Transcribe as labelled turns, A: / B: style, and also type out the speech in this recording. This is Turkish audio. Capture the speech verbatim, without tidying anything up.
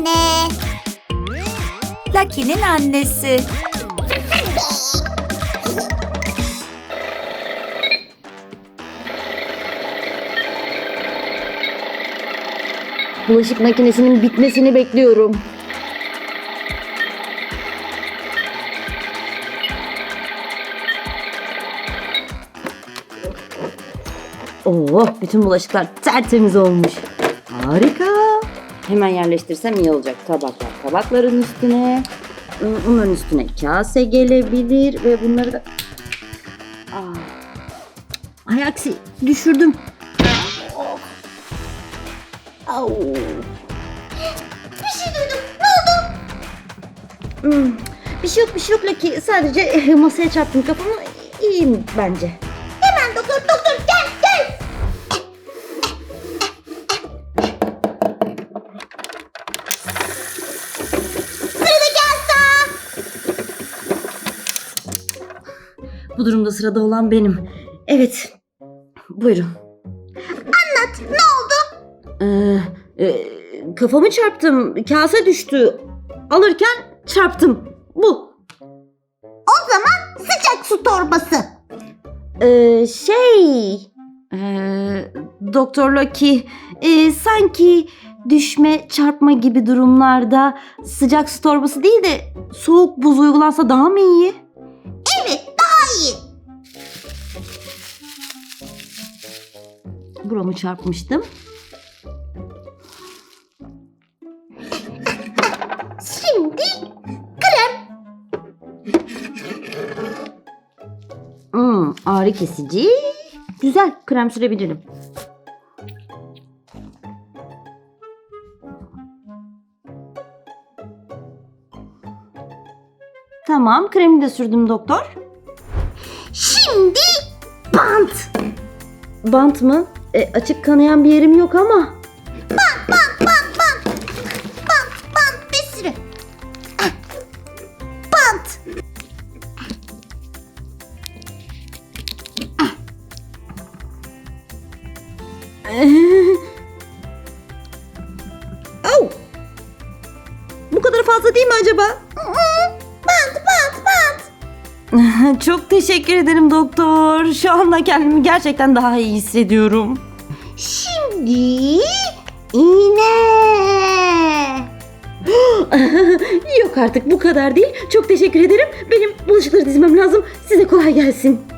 A: anne.
B: Lucky'nin annesi.
C: Bulaşık makinesinin bitmesini bekliyorum. Oo, bütün bulaşıklar tertemiz olmuş. Harika. Hemen yerleştirsem iyi olacak. Tabaklar tabakların üstüne. Bunların üstüne kase gelebilir ve bunları da... Aa. Ay aksi düşürdüm. Au.
A: Bir şey duydum. Ne oldu?
C: Hmm, bir şey yok bir şey yok Lucky. Sadece eh, masaya çarptım kafamı. İyiyim bence.
A: Hemen doktor doktor gel gel. Sıradaki hasta.
C: Bu durumda sırada olan benim. Evet. Buyurun.
A: Anlat, ne oldu?
C: Ee, e, kafamı çarptım. Kase düştü. Alırken çarptım. Bu.
A: O zaman sıcak su torbası.
C: Ee, şey... Ee, Doktor Lucky, e, sanki düşme, çarpma gibi durumlarda sıcak su torbası değil de soğuk buz uygulansa daha mı iyi?
A: Evet, daha iyi.
C: Buramı çarpmıştım.
A: Şimdi krem.
C: Hmm, ağrı kesici. Güzel, krem sürebilirim. Tamam, kremi de sürdüm doktor.
A: Şimdi bant.
C: Bant mı? E, açık kanayan bir yerim yok ama.
A: Bant, bant, bant, bant. Bant, bant bir sürü. Ah. Bant.
C: Au! Bu kadar fazla değil mi acaba?
A: Bant, bant, bant.
C: Çok teşekkür ederim doktor. Şu anda kendimi gerçekten daha iyi hissediyorum.
A: Şimdi iğne.
C: Yok artık bu kadar değil. Çok teşekkür ederim. Benim bulaşıkları dizmem lazım. Size kolay gelsin.